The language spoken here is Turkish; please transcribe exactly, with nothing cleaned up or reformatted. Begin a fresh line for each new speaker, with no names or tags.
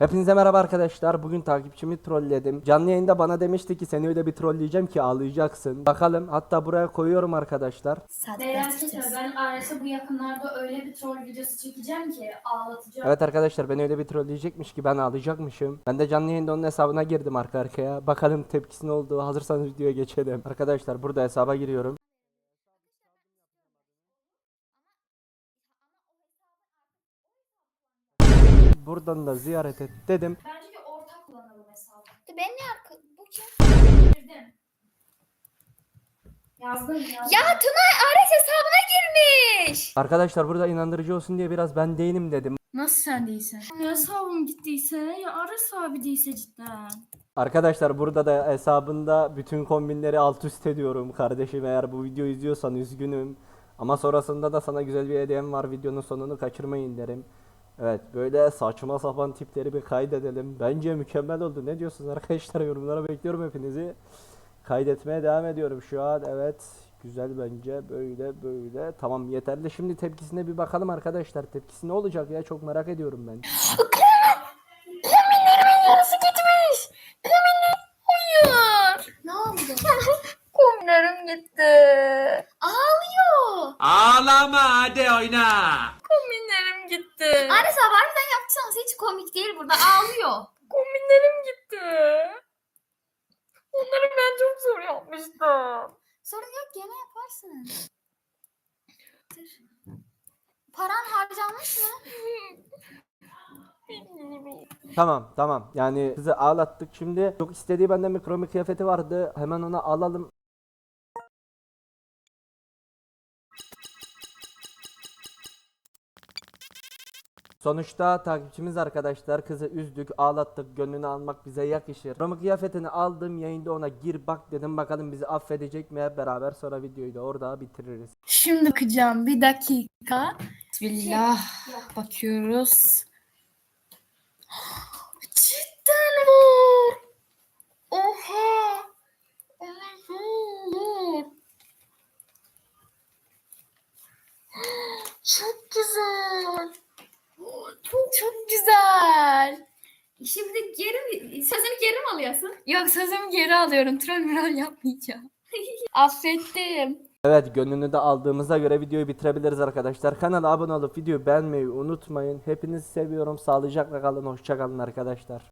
Hepinize merhaba arkadaşlar. Bugün takipçimi trolledim. Canlı yayında bana demişti ki seni öyle bir trolleyeceğim ki ağlayacaksın. Bakalım, hatta buraya koyuyorum arkadaşlar.
Merak etme, ben Ares'e bu yakınlarda öyle bir troll videosu çekeceğim ki ağlatacağım.
Evet arkadaşlar, beni öyle bir trolleyecekmiş ki ben ağlayacakmışım. Ben de canlı yayında onun hesabına girdim arka arkaya. Bakalım tepkisi ne oldu. Hazırsanız videoya geçelim. Arkadaşlar burada hesaba giriyorum. Buradan da ziyaret et dedim.
Bence de ortak kullanalım hesabı.
Ben ne arka... Bu kim?
Girdim. Yazdım yazdım.
Ya Tunay Ares hesabına girmiş.
Arkadaşlar burada inandırıcı olsun diye biraz ben değilim dedim.
Nasıl sen değilsen? Ya hesabım gittiyse ya Aras abi değilse cidden.
Arkadaşlar burada da hesabında bütün kombinleri alt üst ediyorum kardeşim, eğer bu videoyu izliyorsan üzgünüm. Ama sonrasında da sana güzel bir hediyem var, videonun sonunu kaçırmayın derim. Evet, böyle saçma sapan tipleri bir kaydedelim. Bence mükemmel oldu. Ne diyorsunuz arkadaşlar? Yorumlara bekliyorum hepinizi. Kaydetmeye devam ediyorum şu an. Evet, güzel bence, böyle böyle. Tamam, yeterli. Şimdi tepkisine bir bakalım arkadaşlar. Tepkisi ne olacak ya, çok merak ediyorum ben.
Kombinlerimin yarısı gitmiş. Kombinler... Hayır.
Ne oldu?
Kombinlerim gitti.
Ağlıyor.
Ağlama, hadi oyna.
Kombinlerim gitti.
Ares abi harbiden yaptıysanız hiç komik değil, burada ağlıyor.
Kombinlerim gitti. Onları ben çok zor yapmıştım.
Sorun yok, gene yaparsın. Dur. Paran harcanmış mı?
Bilmiyorum.
Tamam tamam, yani kızı ağlattık. Şimdi çok istediği benden bir kromi kıyafeti vardı, hemen ona alalım. Sonuçta takipçimiz arkadaşlar, kızı üzdük, ağlattık, gönlünü almak bize yakışır. Kromi kıyafetini aldım, yayında ona gir bak dedim, bakalım bizi affedecek mi, hep beraber sonra videoyu da orada bitiririz.
Şimdi bakacağım bir dakika. Bismillah. Bakıyoruz. Cidden var. Oha. Oha. Çok güzel. Çok çok güzel.
Şimdi geri mi, sözünü geri mi alıyorsun?
Yok, sözümü geri alıyorum. Troll mürol yapmayacağım. Affettim.
Evet, gönlünü de aldığımıza göre videoyu bitirebiliriz arkadaşlar. Kanala abone olup videoyu beğenmeyi unutmayın. Hepinizi seviyorum. Sağlıcakla kalın. Hoşça kalın arkadaşlar.